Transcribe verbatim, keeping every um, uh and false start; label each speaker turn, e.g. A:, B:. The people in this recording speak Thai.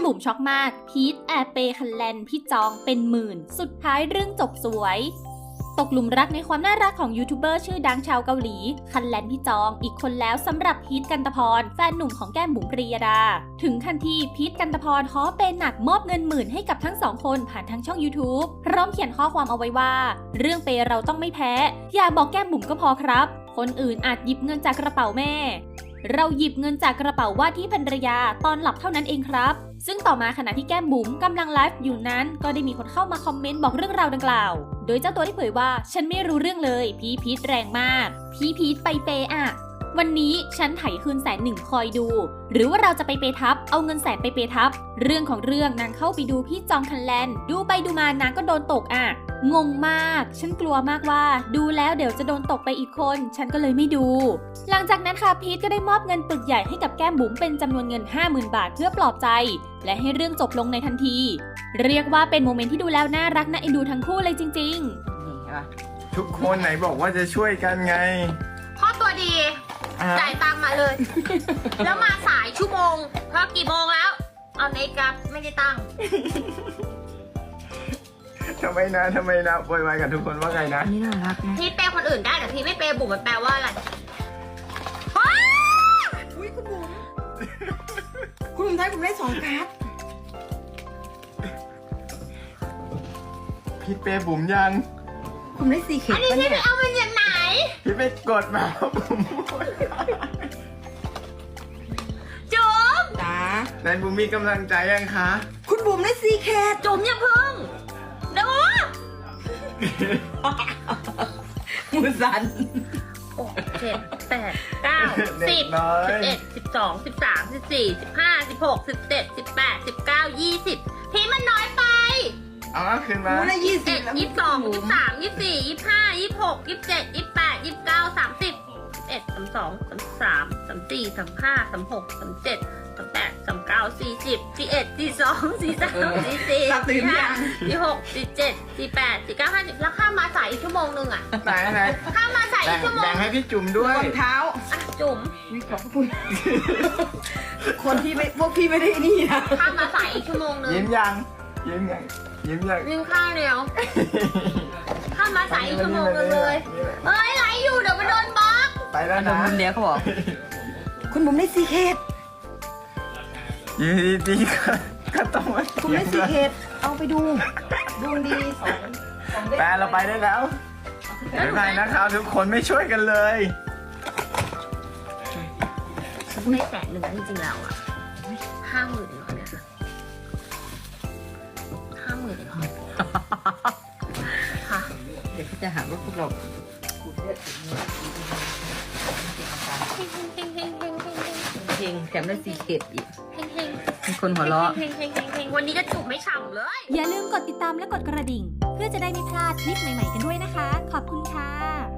A: บุ๋มช็อกมากพีทแอบเปย์คันแลนพี่จองเป็นหมื่นสุดท้ายเรื่องจบสวยตกหลุมรักในความน่ารักของยูทูบเบอร์ชื่อดังชาวเกาหลีคันแลนพี่จองอีกคนแล้วสำหรับพีทกันตพรแฟนหนุ่มของแก้มบุ๋มปรียดาถึงขั้นที่พีทกันตพรขอเปย์หนักมอบเงินหมื่นให้กับทั้งสองคนผ่านทางช่อง YouTube พร้อมเขียนข้อความเอาไว้ว่าเรื่องเปย์เราต้องไม่แพ้อย่าบอกแก้มบุ๋มก็พอครับคนอื่นอาจหยิบเงินจากกระเป๋าแม่เราหยิบเงินจากกระเป๋าว่าที่ภรรยาตอนหลับเท่านั้นเองครับซึ่งต่อมาขณะที่แก้มบุ๋มกำลังไลฟ์อยู่นั้นก็ได้มีคนเข้ามาคอมเมนต์บอกเรื่องราวดังกล่าวโดยเจ้าตัวได้เผยว่าฉันไม่รู้เรื่องเลยพี่พีทแรงมากพี่พีทไปเปย์อะวันนี้ฉันไถคืนแสนหนึ่งคอยดูหรือว่าเราจะไปเปย์ทับเอาเงินแสนไปเปย์ทับเรื่องของเรื่องนางเข้าไปดูพี่จองคันแลนดูไปดูมานางก็โดนตกอ่ะงงมากฉันกลัวมากว่าดูแล้วเดี๋ยวจะโดนตกไปอีกคนฉันก็เลยไม่ดูหลังจากนั้นค่ะพีทก็ได้มอบเงินปึกใหญ่ให้กับแก้มบุ๋มเป็นจำนวนเงิน ห้าหมื่น บาทเพื่อปลอบใจและให้เรื่องจบลงในทันทีเรียกว่าเป็นโมเมนต์ที่ดูแล้วน่ารักน่าเอ็นดูทั้งคู่เลยจริงๆ
B: ทุกคนไหนบอกว่าจะช่วยกันไง
C: พ่อตัวดีจ่ายตังค์มาเลย แล้วมาสายชั่วโมงเพราะกี่โมงแล้วเอาในกราฟไม่ได้ตั้ง
B: ทำไมนะทำไมนะโวยวายกับทุกคนว่าไงนะ
D: นี่น่ารักนะ
C: พี่เปย์คนอื่นได้แต่พี่ไม่เปย์บุ๋มมันแปลว่าอะไร
D: อุ้ยคุณบุ๋มคุณบุ๋มไทยผมได้สองการ์ด
B: พี่เปย์บุ๋มยัง
D: ผมได้สี่เข็ม
C: อันนี้พี่ไปเอามันจากไหน
B: พี่ไปกดมาบุ๋ม
C: จุ๋ม
D: จ้า
B: ไหนบุ๋มมีกำลังใจยังคะ
D: คุณบุ๋มได้สี่เข็ม
C: จุ๋มอย่าพึ่งดู
D: มือสั่น
C: โอ้เจ็ดแปดเก้าสิบสิบเอ็ดสิบสองสิบสามสิบสี่สิบห้าสิบหกสิบเจ็ดสิบแปดสิบเก้ายี่สิบพี่มันน้อยไป
B: เอาคืนมา
D: ได้ยี่สิบ
C: ยี่สิบสองยี่สิบสามยี่สิบสี่ยี่สิบห้ายี่สิบหกยี่สิบเจ็ดยี่สิบแปดยี่สิบเก้าสามสิบเอ็ดสามสองสามสามสามสี่สามห้าสามหกสามเจ็ดสามแปดสามเก้าสี่สิบสี่เอ็ดสี่สองสี่สามสี่สี่สี่ห้าสี่หกสี่เจ็ดสี่แปดสี่เก้าห้าสิบแล้วข้ามมาสายอีกชั่วโมงนึงอ่ะ
B: ไหนไหน
C: ข้ามมาสายอีกชั่วโมง
B: แบ่งให้พี่จุ๋มด้วย
D: รองเท้า
C: อ่ะจุ๋ม
D: วิขอบคุณคนที่ไม่พวกพี่ไม่ได้นี่นะ
C: ข้ามมาสายอีกชั่วโมงนึง
B: ยิ้มยังยิ้มยังยิ้มยัง
C: ยิ้มข้าวเดียวข้ามมาสายอีกชั่วโมงนึงเลยเฮ้ยไลฟ์อยู่เดี๋ยวมันโดนบล็อก
B: ไปแล้วนะ
D: คุณเนี้ยเขาบอกคุณบุ๋มได้สี่เข็ม
B: ยืนดีๆก็ต้องมา
D: คุณได้สี่เข็มเอาไปดูดวงดีสอง
B: แปลเราไปได้แล้วไม่ไปนะครับทุกคนไม่ช่วยกันเลย
C: ไม่แสนหนึ่งจริงๆแล้วอ่ะห้าหมื่นเหรอเนี่ยห้าหมื่นเหรอค่ะ
D: เดี๋ยวจะหาว่าพวกเราเพลงแถมได้สี่เข็มอีกมีคนหัวเราะ
C: วันนี้จะจูบไม่ฉ่ำเลย
A: อย่าลืมกดติดตามและกดกระดิ่งเพื่อจะได้ไม่พลาดคลิปใหม่ๆกันด้วยนะคะขอบคุณค่ะ